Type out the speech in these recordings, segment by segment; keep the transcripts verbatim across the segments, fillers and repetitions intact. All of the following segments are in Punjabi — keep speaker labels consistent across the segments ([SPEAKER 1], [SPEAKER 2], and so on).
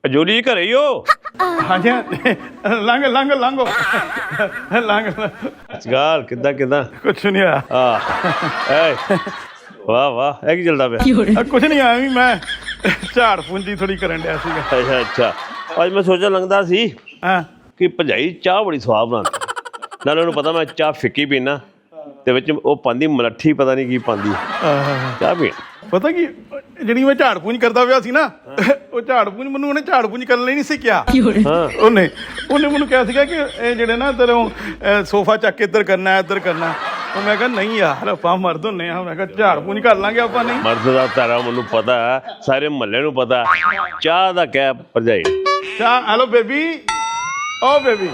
[SPEAKER 1] ਜੋਲੀ ਜੀ ਘਰੇ ਹੀ ਹੋ?
[SPEAKER 2] ਹਾਂਜੀ ਲੰਘ ਲੰਘ ਲੰਘੋ ਲੰਘ
[SPEAKER 1] ਅਸਗਾਲ ਕਿੱਦਾਂ ਕਿੱਦਾਂ?
[SPEAKER 2] ਕੁਛ ਨਹੀਂ ਹੋਇਆ।
[SPEAKER 1] ਆਹ ਏ ਵਾਹ ਵਾਹ ਇਹ ਕੀ ਚੱਲਦਾ ਪਿਆ?
[SPEAKER 2] ਕੁਛ ਨਹੀਂ ਆਇਆ ਵੀ ਮੈਂ ਝਾੜ ਪੂੰਜੀ ਥੋੜੀ ਕਰਨ ਡਿਆ ਸੀਗਾ।
[SPEAKER 1] ਅੱਛਾ ਅੱਛਾ ਅੱਜ ਮੈਂ ਸੋਚਣ ਲੰਘਦਾ ਸੀ
[SPEAKER 2] ਹਾਂ
[SPEAKER 1] ਕਿ ਭਜਾਈ ਚਾਹ ਬੜੀ ਸਵਾਦ ਬਣਾਉਂਦੀ। ਨਾਲੇ ਉਹਨੂੰ ਪਤਾ ਮੈਂ ਚਾਹ ਫਿੱਕੀ ਪੀਣਾ ਤੇ ਵਿੱਚ ਉਹ ਪਾਉਂਦੀ ਮਲੱਠੀ ਪਤਾ ਨਹੀਂ ਕੀ ਪਾਉਂਦੀ ਚਾਹ ਪੀਣ।
[SPEAKER 2] ਪਤਾ ਕੀ ਜਿਹੜੀ ਮੈਂ ਝਾੜ ਪੂੰਜ ਕਰਦਾ ਪਿਆ ਸੀ ਨਾ ਉਹ ਝਾੜ ਪੂੰਜ ਮੈਨੂੰ ਉਹਨੇ ਝਾੜ ਪੂੰਜ ਕਰਨ ਲਈ ਨਹੀਂ ਸੀ ਕਿਹਾ।
[SPEAKER 1] ਹਾਂ
[SPEAKER 2] ਉਹਨੇ ਉਹਨੇ ਮੈਨੂੰ ਕਿਹਾ ਸੀਗਾ ਕਿ ਇਹ ਜਿਹੜੇ ਨਾ ਇੱਧਰੋਂ ਸੋਫਾ ਚੱਕ ਕੇ ਇੱਧਰ ਕਰਨਾ ਇੱਧਰ ਕਰਨਾ। ਉਹ ਮੈਂ ਕਿਹਾ ਨਹੀਂ ਯਾਰ ਆਪਾਂ ਮਰਦ ਹੁੰਦੇ ਹਾਂ। ਮੈਂ ਕਿਹਾ ਝਾੜ ਪੂੰਜ ਕਰ ਲਾਂਗੇ ਆਪਾਂ। ਨਹੀਂ
[SPEAKER 1] ਮਰਦ ਦਾ ਤਾਰਾ ਮੈਨੂੰ ਪਤਾ ਸਾਰੇ ਮਹੱਲੇ ਨੂੰ ਪਤਾ। ਚਾਹ ਦਾ ਕਹਿ ਭਰਜਾਈ
[SPEAKER 2] ਚਾਹ ਹੈਲੋ ਬੇਬੀ ਓ ਬੇਬੀ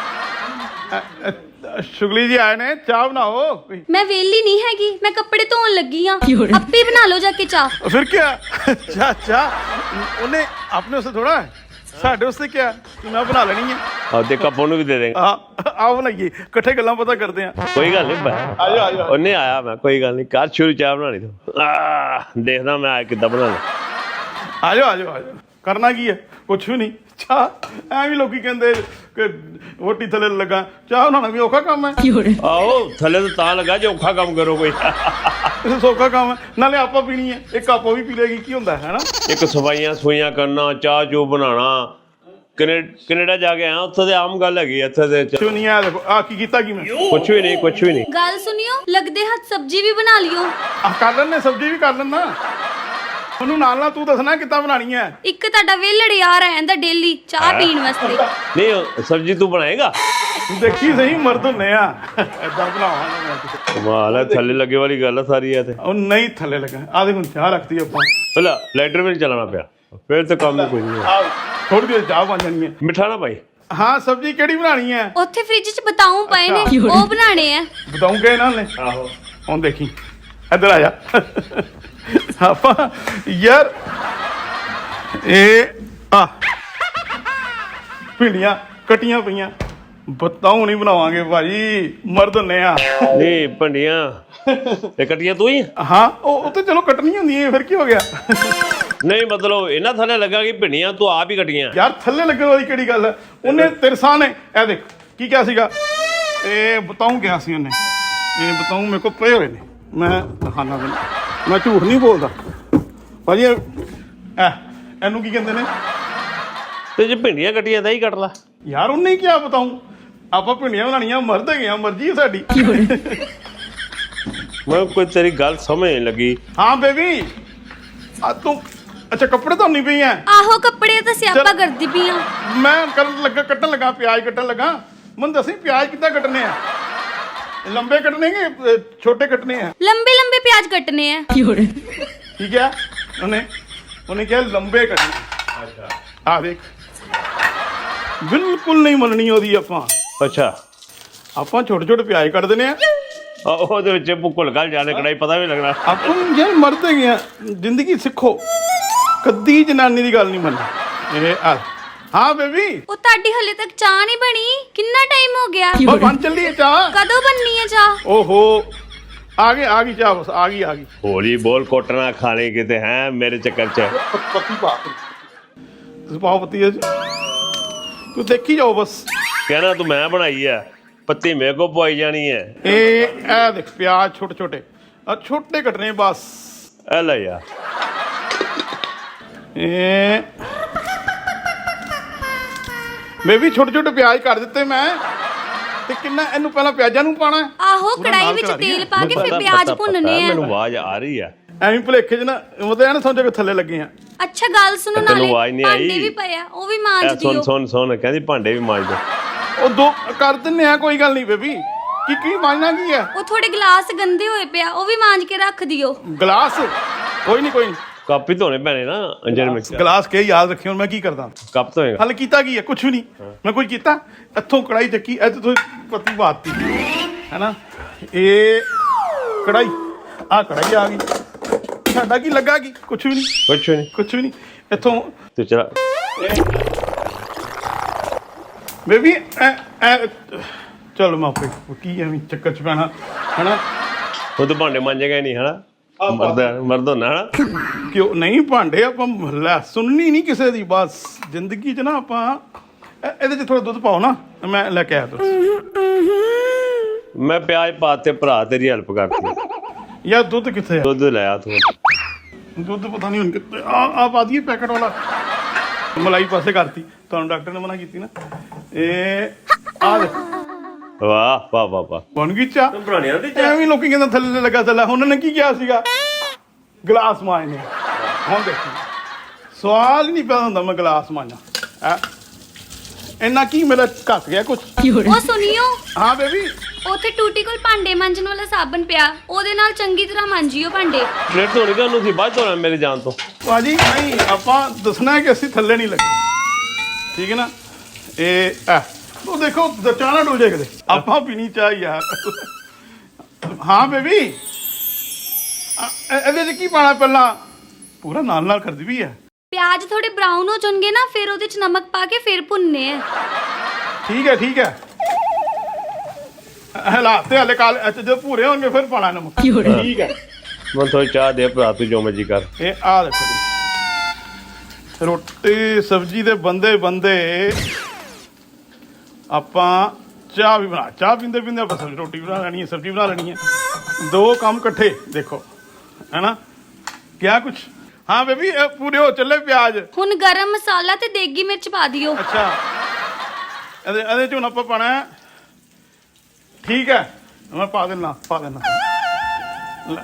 [SPEAKER 2] ਸ਼ੁਗਲੀ ਜੀ ਆਏ ਨੇ ਚਾਹ ਬਣਾਓ।
[SPEAKER 3] ਮੈਂ ਵੇਲੀ ਨਹੀਂ ਹੈਗੀ ਮੈਂ ਕੱਪੜੇ ਧੋਣ ਲੱਗੀ ਆ ਆਪੇ ਬਣਾ ਲਓ ਜਾ ਕੇ ਚਾਹ।
[SPEAKER 2] ਫਿਰ ਕੀ ਚਾਹ ਚਾਹ ਉਹਨੇ ਆਪਣੇ ਵਾਸਤੇ ਥੋੜਾ ਸਾਡੇ ਵਾਸਤੇ ਕਿਹਾ ਕਿ ਮੈਂ ਬਣਾ ਲੈਣੀ ਹੈ।
[SPEAKER 1] ਆਪਦੇ ਕੱਪ ਉਹਨੂੰ ਵੀ ਦੇ ਦੇਂਗੇ।
[SPEAKER 2] ਆ ਆਓ ਬਣਾਈਏ ਇਕੱਠੇ ਗੱਲਾਂ ਪਤਾ ਕਰਦੇ ਆ।
[SPEAKER 1] ਕੋਈ ਗੱਲ ਨਹੀਂ
[SPEAKER 2] ਆਜੋ ਆਜੋ
[SPEAKER 1] ਉਹਨੇ ਆਇਆ ਮੈਂ ਕੋਈ ਗੱਲ ਨਹੀਂ ਕਰ ਸ਼ੁਰੂ ਚਾਹ ਬਣਾਣੀ ਤੂੰ ਆ ਦੇਖਦਾ ਮੈਂ ਕਿੱਦਾਂ ਬਣਾਉਣਾ।
[SPEAKER 2] ਆਜੋ ਆਜੋ ਆਜੋ ਕਰਨਾ ਕੀ ਹੈ ਕੁਛ ਵੀ ਨਹੀਂ। ਚਾਹ ਐਵੇਂ ਲੋਕੀ ਕਹਿੰਦੇ ਕਿ ਰੋਟੀ ਥੱਲੇ ਲੱਗਾ ਚਾਹ ਬਣਾਉਣਾ ਵੀ ਔਖਾ ਕੰਮ ਹੈ।
[SPEAKER 1] ਆਹੋ ਥੱਲੇ ਤੋਂ ਤਾਂ ਲੱਗਾ ਜੇ ਔਖਾ ਕੰਮ ਕਰੋ ਕੋਈ
[SPEAKER 2] ਸੌਖਾ ਕੰਮ ਹੈ ਨਾਲੇ ਆਪਾਂ ਪੀਣੀ ਹੈ ਇੱਕ ਆਪੋ ਵੀ ਪੀ ਲੇਗੀ ਕੀ ਹੁੰਦਾ ਹੈ ਨਾ।
[SPEAKER 1] ਇੱਕ ਸਫਾਈਆਂ ਸਫਾਈਆਂ ਕਰਨਾ ਚਾਹ ਚੂ ਬਣਾਉਣਾ। ਕਨੇ ਕੈਨੇਡਾ ਜਾ ਕੇ ਆਇਆ ਉੱਥੇ ਤੇ ਆਮ ਗੱਲ ਹੈਗੀ ਇੱਥੇ ਦੇ
[SPEAKER 2] ਕੁਛ ਨਹੀਂ ਆ ਦੇਖੋ ਆ ਕੀ ਕੀਤਾ ਕੀ ਮੈਂ
[SPEAKER 1] ਕੁਛ ਵੀ ਨਹੀਂ ਕੁਛ ਵੀ ਨਹੀਂ।
[SPEAKER 3] ਗੱਲ ਸੁਣਿਓ ਲੱਗਦੇ ਹੱਥ ਸਬਜ਼ੀ ਵੀ ਬਣਾ ਲਿਓ।
[SPEAKER 2] ਆ ਕਰ ਲੈਣੇ ਸਬਜ਼ੀ ਵੀ ਕਰ ਲੈਣਾ। ਉਹਨੂੰ ਨਾਲ ਨਾਲ ਤੂੰ ਦੱਸਣਾ ਕਿੱਦਾਂ ਬਣਾਣੀ ਹੈ।
[SPEAKER 3] ਇੱਕ ਤੁਹਾਡਾ ਵੇਲੜ ਯਾਰ ਆਂਦਾ ਡੇਲੀ ਚਾਹ ਪੀਣ ਵਾਸਤੇ।
[SPEAKER 1] ਨਹੀਂ ਸਬਜ਼ੀ ਤੂੰ ਬਣਾਏਗਾ?
[SPEAKER 2] ਦੇਖੀ ਸਹੀ ਮਰਦ ਹੁੰਨੇ ਆ ਏਦਾਂ ਬਣਾਵਾਂਗਾ ਮੈਂ।
[SPEAKER 1] ਕਮਾਲ ਹੈ ਥੱਲੇ ਲੱਗੇ ਵਾਲੀ ਗੱਲ ਆ ਸਾਰੀ ਇਹ ਤੇ।
[SPEAKER 2] ਉਹ ਨਹੀਂ ਥੱਲੇ ਲੱਗਾ ਆ ਦੇਖ ਹੁਣ ਚਾਹ ਰੱਖਤੀ ਆਪਾਂ।
[SPEAKER 1] ਪਹਿਲਾਂ ਲਾਈਟਰ ਵੀ ਨਹੀਂ ਚਲਾਉਣਾ ਪਿਆ ਫਿਰ ਤਾਂ ਕੰਮ ਹੀ ਕੋਈ ਨਹੀਂ ਹੈ।
[SPEAKER 2] ਥੋੜੀ ਦੇਰ ਚਾਹ ਬਣ ਜਾਣੀ ਹੈ।
[SPEAKER 1] ਮਿੱਠਾ ਨਾ ਭਾਈ।
[SPEAKER 2] ਹਾਂ ਸਬਜ਼ੀ ਕਿਹੜੀ ਬਣਾਣੀ ਹੈ?
[SPEAKER 3] ਉੱਥੇ ਫ੍ਰਿਜ 'ਚ ਬਤਾਉ ਪਏ ਨੇ ਉਹ ਬਣਾਣੇ ਆ।
[SPEAKER 2] ਬਤਾਉਂਗੇ ਇਹਨਾਂ ਨੇ।
[SPEAKER 1] ਆਹੋ
[SPEAKER 2] ਹੁਣ ਦੇਖੀ ਇੱਧਰ ਆ ਜਾ ਆਪਾਂ ਯਾਰ ਇਹ ਆ ਭਿੰਡੀਆਂ ਕੱਟੀਆਂ ਪਈਆਂ ਬਤਾਉ ਨਹੀਂ ਬਣਾਵਾਂਗੇ ਭਾਜੀ ਮਰਦ ਹੁੰਨੇ ਆ।
[SPEAKER 1] ਨਹੀਂ ਭੰਡੀਆਂ ਤੇ ਕੱਟੀਆਂ ਤੂੰ ਹੀ?
[SPEAKER 2] ਹਾਂ ਉਹ ਉਹ ਤੇ ਚਲੋ ਕੱਟਣੀ ਹੁੰਦੀ ਹੈ ਫਿਰ ਕੀ ਹੋ ਗਿਆ।
[SPEAKER 1] ਨਹੀਂ ਮਤਲਬ ਇਹਨਾਂ ਥੱਲੇ ਲੱਗਾ ਕਿ ਭਿੰਡੀਆਂ ਤੂੰ ਆਪ ਹੀ ਕੱਟੀਆਂ?
[SPEAKER 2] ਯਾਰ ਥੱਲੇ ਲੱਗਣ ਵਾਲੀ ਕਿਹੜੀ ਗੱਲ ਹੈ। ਉਹਨੇ ਤਿਰਸਾ ਨੇ ਇਹ ਦੇਖ ਕੀ ਕਿਹਾ ਸੀਗਾ ਇਹ ਬਤਾਉ ਕਿਹਾ ਸੀ ਉਹਨੇ। ਇਹ ਬਤਾਉ ਮੇਰੇ ਕੋਲ ਪਏ ਹੋਏ ਨੇ ਮੈਂ ਦਿਖਾਣਾ ਤੈਨੂੰ ਮੈਂ ਝੂਠ ਨਹੀਂ ਬੋਲਦਾ ਭਾਜੀ। ਇਹ ਇਹਨੂੰ ਕੀ ਕਹਿੰਦੇ ਨੇ?
[SPEAKER 1] ਤੇ ਜੇ ਭਿੰਡੀਆਂ ਕੱਟੀਆਂ ਤਾਂ ਹੀ ਕੱਟ ਲਾ
[SPEAKER 2] ਯਾਰ ਉਹਨੇ ਹੀ ਕਿਹਾ ਬਤਾਉ ਆਪਾਂ ਭਿੰਡੀਆਂ ਬਣਾਉਣੀਆਂ ਮਰਦ ਹੈਗੇ ਆ ਮਰਜ਼ੀ ਹੈ ਸਾਡੀ।
[SPEAKER 1] ਮੈਂ ਕੋਈ ਤੇਰੀ ਗੱਲ ਸਮਝ ਨਹੀਂ ਲੱਗੀ।
[SPEAKER 2] ਹਾਂ ਬੇਬੀ ਆ ਤੂੰ ਅੱਛਾ ਕੱਪੜੇ ਧੋਣੀ ਪਈ ਐ?
[SPEAKER 3] ਆਹੋ ਕੱਪੜੇ ਤਾਂ ਸਿਆਪਾ ਕਰਦੀ ਪਈ ਆ।
[SPEAKER 2] ਮੈਂ ਕਰਨ ਲੱਗਾ ਕੱਟਣ ਲੱਗਾ ਪਿਆਜ਼ ਕੱਟਣ ਲੱਗਾ। ਮੈਨੂੰ ਦੱਸੀ ਪਿਆਜ਼ ਕਿੱਦਾਂ ਕੱਟਣੇ ਆ? ਲੰਬੇ ਕੱਟਣੇ ਕਿ ਛੋਟੇ ਕੱਟਣੇ ਆ?
[SPEAKER 3] ਲੰਬੇ ਲੰਬੇ ਪਿਆਜ਼ ਕੱਟਨੇ ਆ।
[SPEAKER 2] ਠੀਕ ਹੈ ਉਹਨੇ ਉਹਨੇ ਕਿਹਾ ਲੰਬੇ ਕੱਟਣੇ। ਅੱਛਾ ਆ ਦੇਖ ਬਿਲਕੁਲ ਨਹੀਂ ਮੰਨਣੀ ਉਹਦੀ ਆਪਾਂ।
[SPEAKER 1] ਅੱਛਾ
[SPEAKER 2] ਆਪਾਂ ਛੋਟੇ ਛੋਟੇ ਪਿਆਜ਼ ਕੱਟ ਦਿੰਦੇ ਆ।
[SPEAKER 1] ਉਹਦੇ ਵਿੱਚ ਭੁੱਲ ਗੱਲ ਜਾਣੇ ਕੜਾਈ ਪਤਾ ਵੀ ਲੱਗਣਾ।
[SPEAKER 2] ਆਪਾਂ ਯਾਰ ਮਰਦ ਹੈਗੇ ਆ ਜ਼ਿੰਦਗੀ ਸਿੱਖੋ ਕਦੀ ਜਨਾਨੀ ਦੀ ਗੱਲ ਨਹੀਂ ਮੰਨੀ। ਇਹ ਆ ਹਾਂ ਬੇਬੀ
[SPEAKER 3] ਉਹ ਤੁਹਾਡੀ ਹਲੇ ਤੱਕ ਚਾਹ ਨਹੀਂ ਬਣੀ ਕਿੰਨਾ ਟਾਈਮ ਹੋ ਗਿਆ?
[SPEAKER 2] ਉਹ ਬਣ ਚੱਲੀ ਹੈ ਚਾਹ।
[SPEAKER 3] ਕਦੋਂ ਬਣਨੀ ਹੈ ਚਾਹ?
[SPEAKER 2] ਓਹੋ ਆ ਗਈ ਆ ਗਈ ਚਾਹ ਬਸ ਆ ਗਈ ਆ ਗਈ।
[SPEAKER 1] ਹੋਲੀ ਬੋਲ ਕੋਟਣਾ ਖਾਣੇ ਕਿਤੇ ਹੈ ਮੇਰੇ ਚੱਕਰ ਚ।
[SPEAKER 2] ਪੱਤੀ ਪਾ ਤੁਸੀਂ ਪਾਓ ਪੱਤੀ ਇਹ 'ਚ। ਤੂੰ ਦੇਖੀ ਜਾਓ ਬਸ।
[SPEAKER 1] ਕਹਿਣਾ ਤੂੰ ਮੈਂ ਬਣਾਈ ਆ ਪੱਤੀ ਮੇਰੇ ਕੋ ਪਵਾਈ ਜਾਣੀ ਹੈ।
[SPEAKER 2] ਇਹ ਇਹ ਦੇਖ ਪਿਆਜ਼ ਛੋਟੇ ਛੋਟੇ ਆ ਛੋਟੇ ਕੱਟਣੇ ਬਸ।
[SPEAKER 1] ਇਹ ਲੈ ਯਾਰ
[SPEAKER 2] ਇਹ ਬੇਬੀ ਛੋਟੇ ਛੋਟੇ ਪਿਆਜ਼ ਕੱਟ ਦਿੱਤੇ ਮੈਂ ਤੇ ਕਿੰਨਾ ਇਹਨੂੰ ਪਹਿਲਾਂ ਪਿਆਜ਼ਾਂ ਨੂੰ ਪਾਣਾ।
[SPEAKER 3] ਆਹੋ ਕੜਾਈ ਵਿੱਚ ਤੇਲ ਪਾ ਕੇ ਫਿਰ ਪਿਆਜ਼ ਭੁੰਨਨੇ ਆ।
[SPEAKER 1] ਮੈਨੂੰ ਆਵਾਜ਼ ਆ ਰਹੀ ਆ
[SPEAKER 2] ਐਵੇਂ ਭੁਲੇਖੇ ਚ ਨਾ ਉਹਦੇ ਐ ਨਾ ਸਮਝੋ ਕਿ ਥੱਲੇ ਲੱਗੇ ਆ।
[SPEAKER 3] ਅੱਛਾ ਗੱਲ ਸੁਣੋ
[SPEAKER 1] ਤੈਨੂੰ
[SPEAKER 3] ਨਾਲੇ
[SPEAKER 1] ਆਵਾਜ਼ ਨਹੀਂ ਆਈ?
[SPEAKER 3] ਭਾਂਡੇ ਵੀ ਪਏ ਆ ਉਹ ਵੀ ਮਾਂਜ
[SPEAKER 1] ਇਹ ਸੁਣ
[SPEAKER 3] ਦਿਓ।
[SPEAKER 1] ਸੁਣ ਸੁਣ ਕਹਿੰਦੀ ਭਾਂਡੇ ਵੀ ਮਾਂਜ ਦੋ।
[SPEAKER 2] ਉਹ ਦੋ ਕਰ ਦਿੰਨੇ ਆ ਕੋਈ ਗੱਲ ਨਹੀਂ ਬੇਬੀ। ਕੀ ਕੀ ਮਾਂਜਣਾ ਕੀ ਹੈ?
[SPEAKER 3] ਉਹ ਥੋੜੇ ਗਲਾਸ ਗੰਦੇ ਹੋਏ ਪਿਆ ਉਹ ਵੀ ਮਾਂਜ ਕੇ ਰੱਖ ਦਿਓ।
[SPEAKER 2] ਗਲਾਸ ਕੋਈ ਨਹੀਂ ਕੋਈ ਨਹੀਂ
[SPEAKER 1] ਕੱਪ ਹੀ ਧੋਣੇ ਪੈਣੇ ਨਾ ਅੰਜਨ ਮਿਕਸ
[SPEAKER 2] ਗਲਾਸ ਕੇ ਯਾਦ ਰੱਖਿਓ ਮੈਂ ਕੀ ਕਰਦਾ।
[SPEAKER 1] ਕੱਪ ਧੋਏਗਾ?
[SPEAKER 2] ਹਲ ਕੀਤਾ ਕੀ ਹੈ ਕੁਛ ਵੀ ਨਹੀਂ। ਮੈਂ ਕੁਝ ਕੀਤਾ ਇੱਥੋਂ ਕੜਾਈ ਚੱਕੀ ਇੱਥੇ ਤੋਂ ਪੱਤੀ ਬਾਤੀ ਹੈ ਨਾ। ਇਹ ਕੜਾਈ ਆ ਕੜਾਈ ਆ ਗਈ ਸਾਡਾ ਕੀ ਲੱਗਾ ਕੀ ਕੁਛ ਵੀ ਨਹੀਂ
[SPEAKER 1] ਕੁਛ ਨਹੀਂ
[SPEAKER 2] ਕੁਛ ਵੀ ਨਹੀਂ ਇੱਥੋਂ
[SPEAKER 1] ਤੂੰ ਚਲਾ
[SPEAKER 2] ਬੇਬੀ ਚਲ ਮਾਪੇ ਕੀ ਐਵੇਂ ਚੱਕਰ ਚ ਪੈਣਾ ਹਨਾ।
[SPEAKER 1] ਉਹ ਤਾਂ ਭਾਂਡੇ ਮਾਂਜੇਗਾ ਹੀ ਨਹੀਂ ਹਨਾ। ਮਰਦ ਮਰਦ ਹੋਣਾ ਨਾ
[SPEAKER 2] ਕਿਉਂ ਨਹੀਂ ਭਾਂਡੇ ਆਪਾਂ ਲੈ ਸੁਣਨੀ ਨਹੀਂ ਕਿਸੇ ਦੀ ਬਸ ਜ਼ਿੰਦਗੀ 'ਚ ਨਾ ਆਪਾਂ ਇਹ- ਇਹਦੇ 'ਚ ਥੋੜਾ ਦੁੱਧ ਪਾਓ ਨਾ ਮੈਂ ਲੈ ਕੇ ਆਇਆ ਦੁੱਧ
[SPEAKER 1] ਮੈਂ ਪਿਆਜ਼ ਪਾਤੇ ਭਰਾ ਤੇਰੀ ਹੈਲਪ ਕਰਤੀ
[SPEAKER 2] ਯਾਰ ਦੁੱਧ ਕਿੱਥੇ ਆ
[SPEAKER 1] ਦੁੱਧ ਲਿਆ ਤੂੰ
[SPEAKER 2] ਦੁੱਧ ਪਤਾ ਨਹੀਂ ਹੁਣ ਕਿੱਥੇ ਆ ਆ ਪਾ ਦਈਏ ਪੈਕਟ ਵਾਲਾ ਮਲਾਈ ਪਾਸੇ ਕਰਤੀ ਤੁਹਾਨੂੰ ਡਾਕਟਰ ਨੇ ਮਨਾ ਕੀਤੀ ਨਾ ਇਹ ਆ ਦੇ
[SPEAKER 1] ਵਾਹ ਵਾਹ ਵਾਹ ਵਾਹ
[SPEAKER 2] ਬਣ ਗਈ ਚਾਹ
[SPEAKER 1] ਬਣਾਣਿਆ ਦੀ
[SPEAKER 2] ਐਵੇਂ ਲੋਕੀ ਕਹਿੰਦੇ ਥੱਲੇ ਲੱਗਾ ਥੱਲੇ ਉਹਨਾਂ ਨੇ ਕੀ ਕਿਹਾ ਸੀਗਾ ਗਲਾਸ ਮਾਇਨੇ ਹੁਣ ਦੇਖੀ ਸਵਾਲ ਹੀ ਨਹੀਂ ਪੈਦਾ ਹੁੰਦਾ ਮੈਂ ਗਲਾਸ ਮਾਂਜਾ ਇੰਨਾ ਕੀ ਮੇਰਾ ਘੱਟ ਗਿਆ ਕੁਛ
[SPEAKER 3] ਉਹ ਸੁਣਿਓ
[SPEAKER 2] ਹਾਂ ਬੇਬੀ
[SPEAKER 3] ਉੱਥੇ ਟੂਟੀ ਕੋਲ ਭਾਂਡੇ ਮਾਂਜਣ ਵਾਲਾ ਸਾਬਣ ਪਿਆ ਉਹਦੇ ਨਾਲ ਚੰਗੀ ਤਰ੍ਹਾਂ ਮਾਂਜਿਓ ਭਾਂਡੇ
[SPEAKER 1] ਪਲੇਟ ਧੋਣੀ ਕਿ ਉਹਨੂੰ ਸੀ ਬਾਅਦ ਧੋਣਾ ਮੇਰੇ ਜਾਣ ਤੋਂ
[SPEAKER 2] ਭਾਜੀ ਨਹੀਂ ਆਪਾਂ ਦੱਸਣਾ ਹੈ ਕਿ ਅਸੀਂ ਥੱਲੇ ਨਹੀਂ ਲੱਗੇ ਠੀਕ ਹੈ ਨਾ ਇਹ ਆ ਉਹ ਦੇਖੋ ਚਾਹ ਨਾ ਡੁੱਲ ਜਾਏ ਕਦੇ ਆਪਾਂ ਪੀਣੀ ਚਾਹ ਯਾਰ ਹਾਂ ਬੇਬੀ ਇਹਦੇ 'ਚ ਕੀ ਪਾਣਾ ਪਹਿਲਾਂ ਪੂਰਾ ਨਾਲ ਨਾਲ ਕਰਦੀ ਵੀ ਹੈ
[SPEAKER 3] ਪਿਆਜ਼ ਥੋੜੇ ਬਰਾਊਨ ਹੋ ਜਾਣਗੇ ਨਾ ਫਿਰ ਉਹਦੇ ਚ ਨਮਕ ਪਾ ਕੇ ਫਿਰ ਭੁੰਨਨੇ ਆ
[SPEAKER 2] ਠੀਕ ਹੈ ਠੀਕ ਹੈ ਹਲਾਤੇ ਹਲੇ ਕਾਲ ਅੱਛਾ ਜਦੋਂ ਭੂਰੇ ਹੋਣਗੇ ਫਿਰ ਪਾਣਾ ਨਮਕ ਠੀਕ ਹੈ
[SPEAKER 1] ਮੈਂ ਥੋੜੀ ਚਾਹ ਦੇ ਭਰਾ ਤੂੰ ਜੋ ਮਰਜੀ ਕਰ
[SPEAKER 2] ਇਹ ਆ ਦੇਖੋ ਜੀ ਰੋਟੀ ਸਬਜ਼ੀ ਦੇ ਬੰਦੇ ਬੰਦੇ ਆਪਾਂ ਚਾਹ ਵੀ ਬਣਾ ਚਾਹ ਪੀਂਦੇ ਪੀਂਦੇ ਆਪਾਂ ਸਬਜ਼ੀ ਰੋਟੀ ਬਣਾ ਲੈਣੀ ਹੈ ਸਬਜ਼ੀ ਬਣਾ ਲੈਣੀ ਹੈ ਦੋ ਕੰਮ ਇਕੱਠੇ ਦੇਖੋ ਹੈਨਾ ਕਿਆ ਕੁਛ ਹਾਂ ਬੇਬੀ ਇਹ ਪੂਰੇ ਹੋ ਚੱਲੇ ਪਿਆਜ਼
[SPEAKER 3] ਹੁਣ ਗਰਮ ਮਸਾਲਾ ਤੇ ਦੇਗੀ ਮਿਰਚ ਪਾ ਦਿਓ
[SPEAKER 2] ਅੱਛਾ ਇਹਦੇ ਇਹਦੇ ਚ ਹੁਣ ਆਪਾਂ ਪਾਣਾ ਹੈ ਠੀਕ ਹੈ ਮੈਂ ਪਾ ਦੇਣਾ ਪਾ ਦੇਣਾ ਲੈ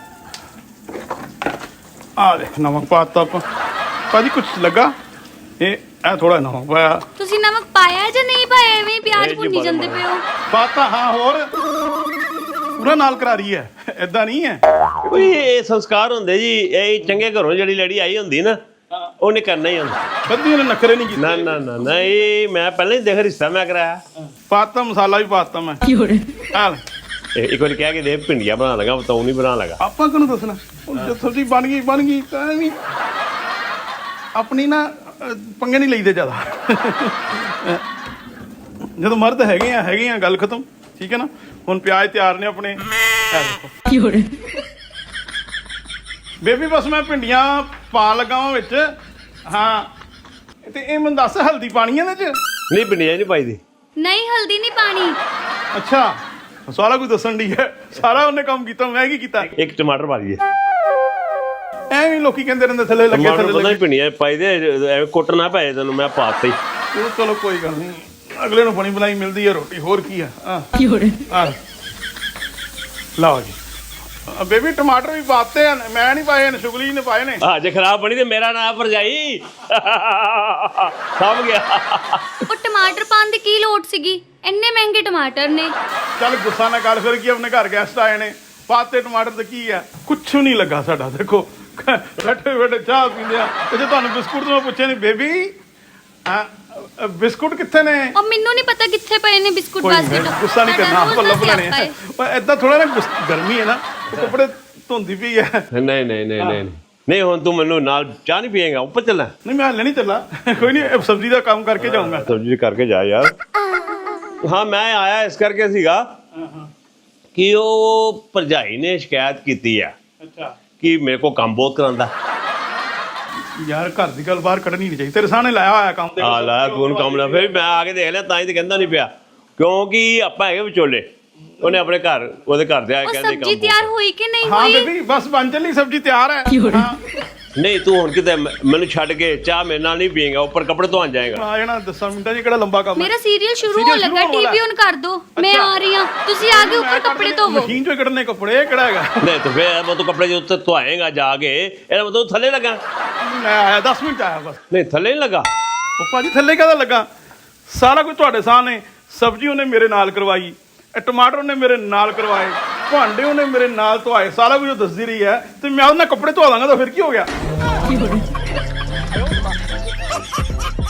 [SPEAKER 2] ਆ ਦੇਖ ਨਮਕ ਪਾਤਾ ਆਪਾਂ ਭਾਜੀ ਕੁਛ ਲੱਗਾ ਇਹ ਇਹ ਥੋੜਾ ਨਮਕ ਪਾਇਆ
[SPEAKER 3] ਤੁਸੀਂ ਨਮਕ ਪਾਇਆ ਜਾਂ ਨਹੀਂ ਪਾਇਆ ਐਵੇਂ ਹੀ ਪਿਆਜ਼
[SPEAKER 1] ਇਹ ਜੀ
[SPEAKER 3] ਭੁੰਨੀ
[SPEAKER 1] ਬੜਾ
[SPEAKER 3] ਜਾਂਦੇ
[SPEAKER 1] ਬੜਾ।
[SPEAKER 3] ਪਏ ਹੋ
[SPEAKER 2] ਪਾਤਾ ਹਾਂ ਹੋਰ ਪੂਰਾ ਨਾਲ ਕਰਾ ਰਹੀ ਹੈ ਏਦਾਂ ਨਹੀਂ ਹੈ
[SPEAKER 1] ਕੋਈ ਇਹ ਸੰਸਕਾਰ ਹੁੰਦੇ ਜੀ ਇਹ ਚੰਗੇ ਘਰੋਂ ਜਿਹੜੀ ਲੜੀ ਆਈ ਹੁੰਦੀ ਨਾ ਉਹਨੇ ਕਰਨਾ ਹੀ ਹੁੰਦਾ
[SPEAKER 2] ਕਦੀ ਉਹਨੇ ਨਖਰੇ ਨਹੀਂ
[SPEAKER 1] ਨਾ
[SPEAKER 2] ਕੀਤੇ
[SPEAKER 1] ਨਾ ਨਾ ਨਾ ਇਹ ਮੈਂ ਪਹਿਲਾਂ ਹੀ ਦੇਖ ਰਿਸ਼ਤਾ ਮੈਂ ਕਰਾਇਆ
[SPEAKER 2] ਪਾਤਾ ਮਸਾਲਾ ਵੀ ਪਾਤਾ ਮੈਂ ਆ ਲੈ।
[SPEAKER 1] ਇਹ ਇੱਕ ਵਾਰੀ ਕਹਿ ਕੇ ਦੇ ਭਿੰਡੀਆਂ ਬਣਾ ਲਗਾ ਬਤਾਉ ਨਹੀਂ ਬਣਾ ਲਗਾ
[SPEAKER 2] ਆਪਾਂ ਕਿਹਨੂੰ ਦੱਸਣਾ ਹੁਣ ਜੇ ਸਬਜ਼ੀ ਬਣ ਗਈ ਬਣ ਗਈ ਤਾਂ ਵੀ ਆਪਣੀ ਨਾ ਅਹ, ਪੰਗੇ ਨਹੀਂ ਲਈਦੇ ਜ਼ਿਆਦਾ ਜਦੋਂ ਮਰਦ ਹੈਗੇ ਆ ਹੈਗੇ ਆ ਗੱਲ ਖਤਮ ਠੀਕ ਹੈ ਨਾ ਹੁਣ ਪਿਆਜ਼ ਤਿਆਰ ਨੇ ਆਪਣੇ ਇਹ ਦੇਖੋ ਬੇਬੀ ਬਸ ਮੈਂ ਭਿੰਡੀਆਂ ਪਾ ਲਗਾ ਵਾਂ ਵਿੱਚ ਹਾਂ ਤੇ ਇਹ ਮੈਨੂੰ ਦੱਸ ਹਲਦੀ ਪਾਣੀ ਹੈ ਇਹਦੇ ਚ
[SPEAKER 1] ਨਹੀਂ ਭਿੰਡੀਆਂ ਨਹੀਂ ਪਾਈ ਦੀ
[SPEAKER 3] ਨਹੀਂ ਹਲਦੀ ਨਹੀਂ ਪਾਣੀ
[SPEAKER 2] ਅੱਛਾ ਸਾਰਾ ਕੁਝ ਦੱਸਣ ਦੀ ਹੈ ਸਾਰਾ ਉਹਨੇ ਕੰਮ ਕੀਤਾ ਮੈਂ ਕੀ ਕੀਤਾ
[SPEAKER 1] ਇੱਕ ਟਮਾਟਰ ਪਾ ਲਈਏ
[SPEAKER 2] ਐਵੇਂ ਲੋਕੀ ਕਹਿੰਦੇ ਰਹਿੰਦੇ ਥੱਲੇ ਲੱਗੇ
[SPEAKER 1] ਟਮਾਟਰ
[SPEAKER 2] ਥੱਲੇ
[SPEAKER 1] ਪਤਾ
[SPEAKER 2] ਲੱਗੇ
[SPEAKER 1] ਨਹੀਂ ਭਿੰਡੀਆਂ ਪਾਈ ਦੇ ਐਵੇਂ ਕੁੱਟ ਨਾ ਪਏ ਤੈਨੂੰ ਮੈਂ ਪਾਤਾ ਹੀ
[SPEAKER 2] ਚਲੋ ਚਲੋ ਕੋਈ ਗੱਲ ਨਹੀਂ ਅਗਲੇ ਨੂੰ ਬਣੀ ਬਣਾਈ ਮਿਲਦੀ ਹੈ ਰੋਟੀ ਹੋਰ ਕੀ ਆ ਆ ਆ ਲਓ ਜੀ ਅ, ਬੇਬੀ ਟਮਾਟਰ ਵੀ ਪਾਤੇ ਆ ਮੈਂ ਨਹੀਂ ਪਾਏ ਨੇ ਸ਼ੁਗਲੀ ਨੇ ਪਾਏ ਨੇ
[SPEAKER 1] ਆ ਜੇ ਖਰਾਬ ਬਣੀ ਤੇ ਮੇਰਾ ਨਾਂ ਭਰਜਾਈ ਸਭ ਗਿਆ
[SPEAKER 3] ਉਹ ਟਮਾਟਰ ਪਾਉਣ ਦੀ ਕੀ ਲੋੜ ਸੀਗੀ ਇੰਨੇ ਮਹਿੰਗੇ ਟਮਾਟਰ ਨੇ
[SPEAKER 2] ਚੱਲ ਗੁੱਸਾ ਨਾ ਕਰ ਫਿਰ ਕੀ ਆਪਣੇ ਘਰ ਗੈਸਟ ਆਏ ਨੇ ਪਾਤੇ ਟਮਾਟਰ ਤੇ ਕੀ ਆ ਕੁਛ ਨਹੀਂ ਲੱਗਾ ਸਾਡਾ ਦੇਖੋ ਬੈਠੇ ਬੈਠੇ ਚਾਹ ਪੀਂਦੇ ਆ ਤੇ ਜੇ ਤੁਹਾਨੂੰ ਬਿਸਕੁਟ ਤੋਂ ਮੈਂ ਪੁੱਛਿਆ ਨਹੀਂ ਬੇਬੀ ਆ ਬਿਸਕੁਟ ਕਿੱਥੇ ਨੇ
[SPEAKER 3] ਉਹ ਮੈਨੂੰ ਨਹੀਂ ਪਤਾ ਕਿੱਥੇ ਪਏ ਨੇ ਬਿਸਕੁਟ
[SPEAKER 2] ਕੋਈ
[SPEAKER 3] ਬਾਸਕਟ
[SPEAKER 2] ਨਹੀਂ ਗੁੱਸਾ ਨਹੀਂ ਕਰਨਾ ਆਪਾਂ ਲੱਭ ਲੈਣੇ ਆ ਪਰ ਏਦਾਂ ਥੋੜਾ ਨਾ ਗੁੱਸ- ਗਰਮੀ ਹੈ ਨਾ ਉਹ ਕੱਪੜੇ ਧੁੰਦੀ ਪਈ ਹੈ
[SPEAKER 1] ਨਹੀਂ ਨਹੀਂ ਨਹੀਂ ਨਹੀਂ ਨਹੀਂ ਨਹੀਂ ਹੁਣ ਤੂੰ ਮੈਨੂੰ ਨਾਲ ਚਾਹ ਨਹੀਂ ਪੀਏਗਾ ਉੱਪਰ ਚੱਲਣਾ
[SPEAKER 2] ਨਹੀਂ ਮੈਂ ਹਲੇ ਨਹੀਂ ਚੱਲਾ ਕੋਈ ਨਹੀਂ ਸਬਜ਼ੀ ਦਾ ਕੰਮ ਕਰਕੇ ਜਾਊਂਗਾ
[SPEAKER 1] ਸਬਜ਼ੀ ਕਰਕੇ ਜਾ ਯਾਰ ਹਾਂ ਮੈਂ ਆਇਆ ਇਸ ਕਰਕੇ ਸੀਗਾ ਕਿ ਉਹ ਭਰਜਾਈ ਨੇ ਸ਼ਿਕਾਇਤ ਕੀਤੀ ਆ
[SPEAKER 2] ਅੱਛਾ
[SPEAKER 1] ਕਿ ਮੇਰੇ ਕੋਲ ਕੰਮ ਬਹੁਤ ਕਰਾਂਦਾ
[SPEAKER 2] ਯਾਰ ਘਰ ਦੀ ਗੱਲ ਬਾਹਰ ਕੱਢਣੀ ਨਹੀਂ ਚਾਹੀਦੀ ਤੇਰੇ ਸਾਹਮਣੇ ਲਾਇਆ ਹੋਇਆ ਕੰਮ ਤੇ
[SPEAKER 1] ਆ ਲਾ ਤੂੰ ਉਹਨੂੰ ਕੰਮ ਨਾ ਫਿਰ ਮੈਂ ਆ ਕੇ ਦੇਖ ਲਿਆ ਤਾਂ ਹੀ ਤੇ ਕਹਿੰਦਾ ਨਹੀਂ ਪਿਆ ਕਿਉਂਕਿ ਆਪਾਂ ਹੈਗੇ ਵਿਚੋਲੇ ਉਹਨੇ ਆਪਣੇ ਘਰ ਉਹਦੇ ਘਰ ਦੇ ਆ
[SPEAKER 3] ਉਹ
[SPEAKER 1] ਕਹਿੰਦੇ
[SPEAKER 3] ਸਬਜ਼ੀ
[SPEAKER 1] ਕੰਮ
[SPEAKER 3] ਤਿਆਰ ਹੋਈ ਕਿ ਨਹੀਂ
[SPEAKER 2] ਹਾਂ
[SPEAKER 3] ਹੋਈ
[SPEAKER 2] ਬੇਬੀ ਬਸ ਬਣ ਚੱਲੀ ਸਬਜ਼ੀ ਤਿਆਰ ਹੈ ਹਾਂ
[SPEAKER 1] ਨਹੀਂ ਤੂੰ ਹੁਣ ਕਿਤੇ ਮ- ਮੈਨੂੰ ਛੱਡ ਕੇ ਚਾਹ ਮੇਰੇ ਨਾਲ ਨਹੀਂ ਪੀਏਗਾ ਉੱਪਰ ਕੱਪੜੇ ਧੋਣ ਜਾਏਗਾ
[SPEAKER 2] ਆ ਜਾਣਾ ਦਸ ਮਿੰਟਾਂ 'ਚ ਕਿਹੜਾ ਲੰਬਾ ਕੰਮ ਹੈ
[SPEAKER 3] ਮੇਰਾ ਸੀਰੀਅਲ ਸ਼ੁਰੂ
[SPEAKER 2] Serial
[SPEAKER 3] ਹੋਣ
[SPEAKER 2] ਸ਼ੁਰੂ
[SPEAKER 3] ਲੱਗਾ
[SPEAKER 2] ਹੋਣ ਵਾਲਾ
[SPEAKER 3] ਟੀਵੀ ਔਨ ਕਰ ਦੋ ਮੈਂ
[SPEAKER 2] ਅੱਛਾ।
[SPEAKER 3] ਆ ਰਹੀ ਹਾਂ ਤੁਸੀਂ ਆ ਕੇ ਉੱਪਰ ਕੱਪੜੇ ਧੋਵੋ
[SPEAKER 2] ਮਸ਼ੀਨ 'ਚੋਂ ਕੱਢਣੇ ਕੱਪੜੇ ਇਹ ਕਿਹੜਾ ਹੈਗਾ
[SPEAKER 1] ਨਹੀਂ ਤੇ ਫਿਰ ਮੈਂ ਤੂੰ ਕੱਪੜੇ ਜੇ ਉੱਤੇ ਧੋਏਗਾ ਜਾ ਕੇ ਇਹਦਾ ਮਤਲਬ ਥੱਲੇ ਲੱਗਾ
[SPEAKER 2] ਮੈਂ ਆਇਆ ਦਸ ਮਿੰਟ ਆਇਆ ਬਸ
[SPEAKER 1] ਨਹੀਂ ਥੱਲੇ ਨਹੀਂ ਲੱਗਾ
[SPEAKER 2] ਉਹ ਭਾਜੀ ਥੱਲੇ ਕਾਹਦਾ ਲੱਗਾ ਸਾਰਾ ਕੁਝ ਤੁਹਾਡੇ ਸਾਹਮਣੇ ਸਬਜ਼ੀ ਉਹਨੇ ਮੇਰੇ ਨਾਲ ਕਰਵਾਈ ਇਹ ਟਮਾਟਰ ਉਹਨੇ ਮੇਰੇ ਨਾਲ ਕਰਵਾਏ ਭਾਂਡੇ ਉਹਨੇ ਮੇਰੇ ਨਾਲ ਧੋਏ ਸਾਰਾ ਕੁਝ ਉਹ ਦੱਸਦੀ ਰਹੀ ਹੈ ਤੇ ਮੈਂ ਉਹਨਾਂ ਕੱਪੜੇ ਧੋ ਦਾਂਗਾ ਤਾਂ ਫਿਰ ਕੀ ਹੋ ਗਿਆ